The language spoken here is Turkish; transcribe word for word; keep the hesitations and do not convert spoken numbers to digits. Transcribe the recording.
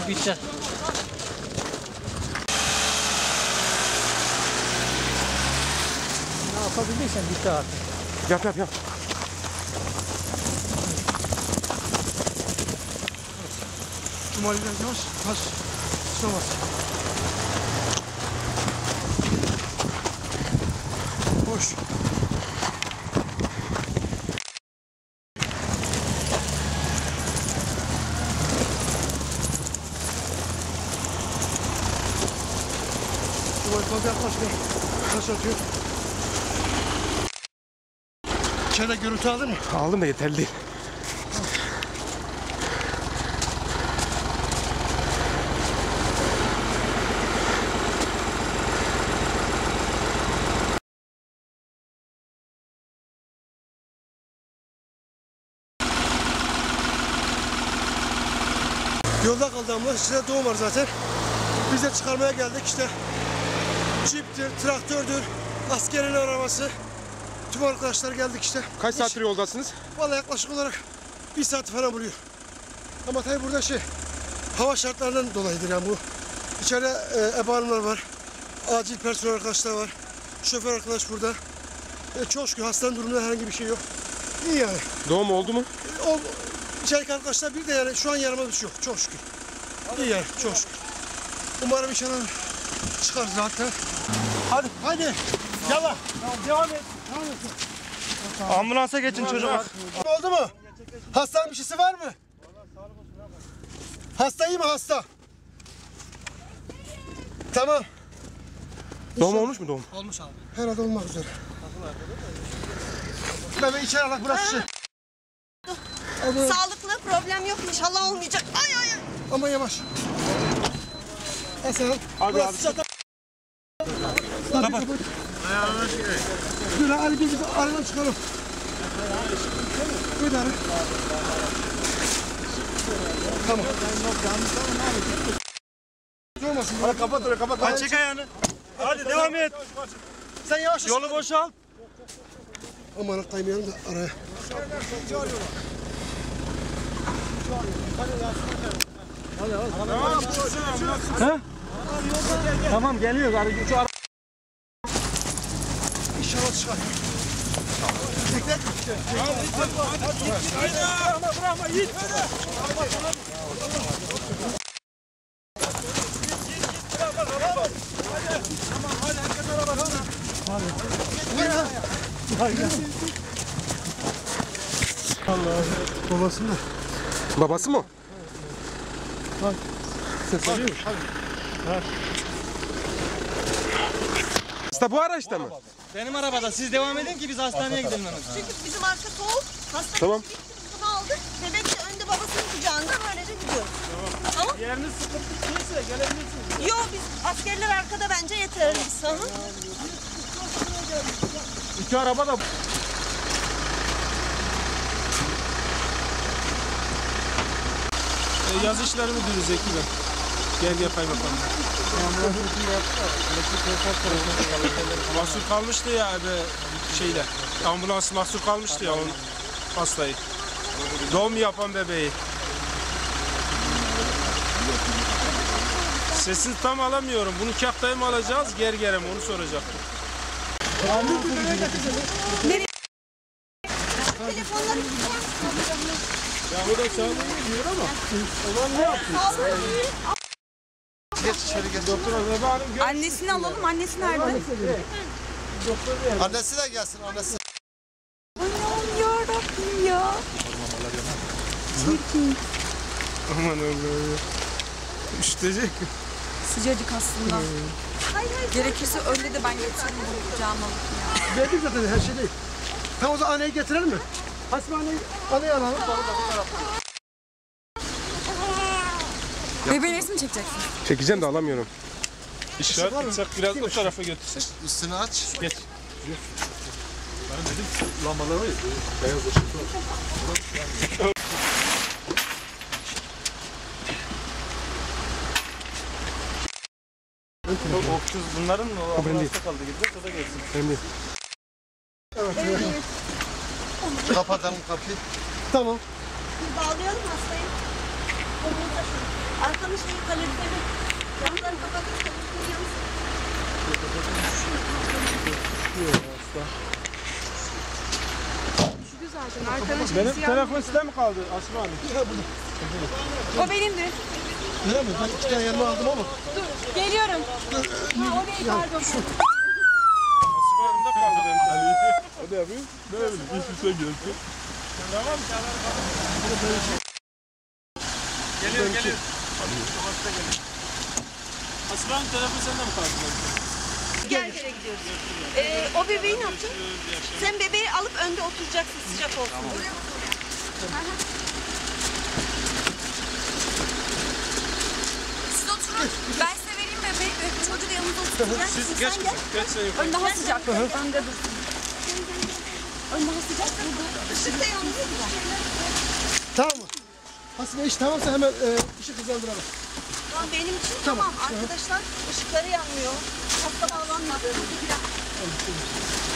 Bu bitti. Ne yapabilirsen bitti artık. Yap yap yap. Cumali biraz yavaş. Taş. Tutamaz. Boş. Cumali fazla yaklaşmıyor. Taş atıyor. İçeride görüntü aldın mı? Aldım da yeterli değil. Yolda kaldı ambulans. İçeride doğum var zaten. Biz de çıkarmaya geldik işte. Ciptir, traktördür, askerin arabası. Tüm arkadaşlar geldik işte. Kaç saattir yoldasınız? Vallahi yaklaşık olarak bir saat falan buluyor. Ama tabii burada şey, hava şartlarından dolayıdır yani bu. İçeride e, ebe hanımlar var, acil personel arkadaşlar var, şoför arkadaş burada. E, çok şükür hastanın durumunda herhangi bir şey yok. İyi yani. Doğum oldu mu? E, o içerideki arkadaşlar bir de yani şu an yarama bir şey yok, çok şükür. İyi yani, çok şükür. Umarım inşallah çıkar zaten. Hadi, hadi. Yalla. Devam et. Devam et. Ambulansa geçin çocuklar. Oldu mu? Hastanın bir şeysi var mı? Hasta iyi mi hasta? Tamam. Doğum olmuş mu doğum? Olmuş abi. Herhalde olmak üzere. Ben ben içeri alak burası şey. Sağlıklı problem yok inşallah olmayacak. Ay ay ay. Ama yavaş. Hasan. Hadi burası abi. zaten. Kapat. Dur Ali biz aradan çıkalım. Buyur abi. Tamam. Olmasın. Hadi kapat orayı kapat. Hadi çek ayağını. Hadi devam et. Sen yavaş. Yolu boşalt. Aman kaymayalım da araya. Ha? Tamam geliyor. Şu ara... İnşallah çıkar. Bekle. Bırakma git. Allah. Babası mı? Babası mı? Bak. Ses alıyor mu? Hasta bu araçta mı? Benim arabada. Siz devam edin ki biz hastaneye gidelim hemen. Çünkü bizim arka soğuk. Hasta Tamam. bitti, biz bunu aldık. Bebek de önde babasının kucağında böylece gidiyoruz. Tamam. Yeriniz sıkıntı değilse gelebilirsiniz. Yok biz askerler arkada bence yeterliyiz. Hı hı. İki araba da... E, yaz işleri müdürü Zeki Bey. Gel gel kaymakamım. Mahsur kalmıştı ya be şeyle. Ambulans mahsur kalmıştı ya onun hastayı. Doğum yapan bebeği. Sesini tam alamıyorum. Bunu kaktayı mı alacağız, ger gere mi onu soracaktım. Nereye? Telefonları Ya o da sağlığı gidiyor ama. Olan ne yaptı? Geç içeri geç. Doktor Bebe Hanım gör. Annesini alalım. Annesi nerede? Annesi de gelsin annesi. Allah'ım yarabbim ya. Çirkin. Aman Allah'ım. Üşütecek. Sıcacık aslında. Gerekirse öyle de ben getiririm bunu kucağıma alıp ya. Verdik zaten her şey değil. Tamam o zaman anneyi getirelim mi? Hasbi anneyi, anneyi alalım. Bebeğin resmi çekeceksin. Çekeceğim de alamıyorum. İşaret etsek biraz o tarafa götürsek. Üstünü aç. Geç. Lambaları beyaz ışık var. O kız bunların mı? O benim değil. ambulansta kaldı gidecek o da gelsin. Benim değil. Evet, evet. Kapatalım kapıyı. Tamam. Bağlayalım hastayı. Omuzda şöyle. Arkanın şeyi kaloriferi. Camları kapatın, kaloriferi yansın. Benim telefon sizde mi kaldı Aslı Hanım? O benimdi. Öyle mi? Ben iki tane yanıma aldım ama. Geliyorum. Ha, o değil pardon. Aslı Hanım'da kaldı benim telefon. Hadi yapayım. Ne bileyim. Hiçbir şey gelsin. Tamam. Geliyor geliyor. Aslı Hanım telefon sende mi kaldı? Gel yere gidiyoruz. Ee, o bebeği ne yapacaksın? Sen bebeği alıp önde oturacaksın sıcak olsun. Siz oturun. Ben size vereyim bebeği. Çocuğu da yanımda oturacak. Siz geç kızım. Geç sen yukarı. Ön daha sıcak. Önde dursun. Ön daha sıcak. Işık da yanıyor. Tamam mı? Hasibe iş tamamsa hemen e, işi hızlandıralım. Tamam benim için tamam. Arkadaşlar ışıkları yanmıyor. Hasta bağlanmadı.